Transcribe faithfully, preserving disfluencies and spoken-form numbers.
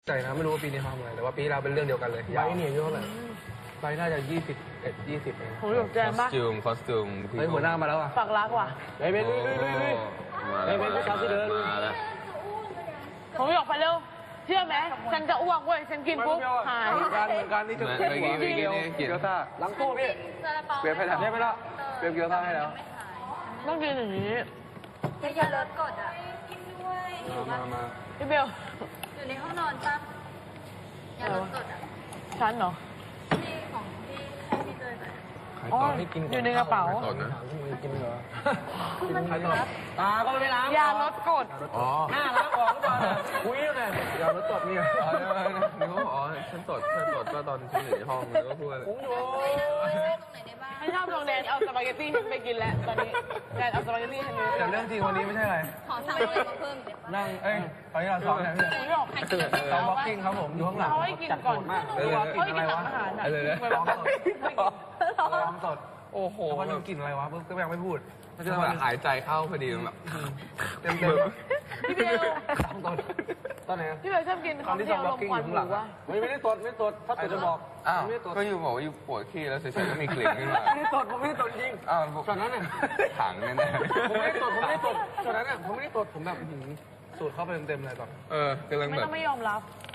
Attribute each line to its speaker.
Speaker 1: ใจนะไม่รู้ว่าปีนี้ทำอะไรแต่ว่าปีเราเป็นเรื่องเดียวกันเลยใบเนี่ยเยอะเลยใบน่าจะยี่สิบเอ็ดยี่สิบเอง
Speaker 2: ผมหยกแจมปะ
Speaker 3: คอสตูมคอสตูม
Speaker 1: เฮ้ยหัวหน้ามาแล้วอ่ะ
Speaker 2: ฝากรักว่ะ
Speaker 1: เฮ้ยเบนลุยลุยลุยลุยเฮ้ยเบนผู้ชายที่เดิน
Speaker 3: มาแล้ว
Speaker 2: ผมหยกไปเร็วเชื่อไหมฉันจะอ้วกเว้ยฉันกินปุ๊บหาย
Speaker 1: เหมือนกันเหมือนกันนี่จะเกี๊ยวเกี๊ยวเกี๊ยวซ่าหลังตู้พี่เปลี่ยนไปแล้วเปลี่ยนไปแล้วเปลี่ยนเกี๊ยวซ่าให้แล้ว
Speaker 2: ต้องกินอย่างนี้
Speaker 4: อย่าลดกดอ่ะกินด้วย
Speaker 1: มามา
Speaker 2: พี่เบล
Speaker 4: อยู่ในห้องนอนปะอย่าลดกดอ่ะ
Speaker 2: ฉันเหรอ
Speaker 4: ที่ของที่ให้พี่เตยไป
Speaker 2: อ๋ออยู่ในกระเป๋า
Speaker 1: กินเหรอ
Speaker 4: คือมันเหมือนแบบ
Speaker 1: ตาก็ไม่ล้าง
Speaker 2: ยาลดกรด
Speaker 1: อ๋อหน้าล้างออกหรือเปล่าคุยยังไงยาลดกรดนี่อ๋อ
Speaker 3: นึกว่าอ๋อฉันตดฉันตดก็ตอนฉันอยู่ในห้องนึกว่าพูดอะไร
Speaker 1: ผมอยู่
Speaker 4: ตรงไหนได้บ้าง
Speaker 2: ไม่ชอบลงแดนเอาสปาเกตตี้ไปกินแล้วตอนนี้แดนเอาสปาเกตตี้ให้ดู
Speaker 1: แต่เรื่องจริงวันนี้ไม่ใช่อะไร
Speaker 4: ขอสั่งอะไรมาเพิ่มเดี๋ยว
Speaker 1: นั่งเอ้ยตอนนี้เราซ้อมแล้วพี่ซ้อมบ็อกกิ้งครับผมอยู่ข้างหลัง
Speaker 2: เขาให้กินก่อน
Speaker 1: มากเลย
Speaker 2: เขาให้กินหลังอาหารอ่ะ
Speaker 1: ไปลองสดลองสด
Speaker 3: โอ้โห
Speaker 1: มันกลิ่นอะไรวะก็ยังไม่พูด
Speaker 3: มันจะแบบหายใจเข้าพอดีแบบ
Speaker 1: เต็มเต็ม
Speaker 2: พี่เบล
Speaker 1: ตอนตอนไหน
Speaker 2: พี่เบลชอบกินข้าวเหนียวลมควันหมูวะ
Speaker 1: ไม่ไม่ได้ตดไม่ตดถ้าตดจะบอก
Speaker 3: อ้าวก็อยู่บอกว่าอยู่ปวดขี้แล้วเฉยๆก็มีกลิ่นขึ้นมา
Speaker 1: ไม่ได้ตดผมไม่ได้ตดจริง
Speaker 3: อ้าว
Speaker 1: ตอนนั้นเนี่ย
Speaker 3: ถังแน่
Speaker 1: ๆผมไม่ได้ตดผมไม่ได้ตดตอนนั้นเนี่ยผมไม่ได้ตดผมแบบสูดเข้าไปเต็มๆเลยตอน
Speaker 3: เออกำลังแบบ
Speaker 2: ไม่ต้องไม่ยอมรับ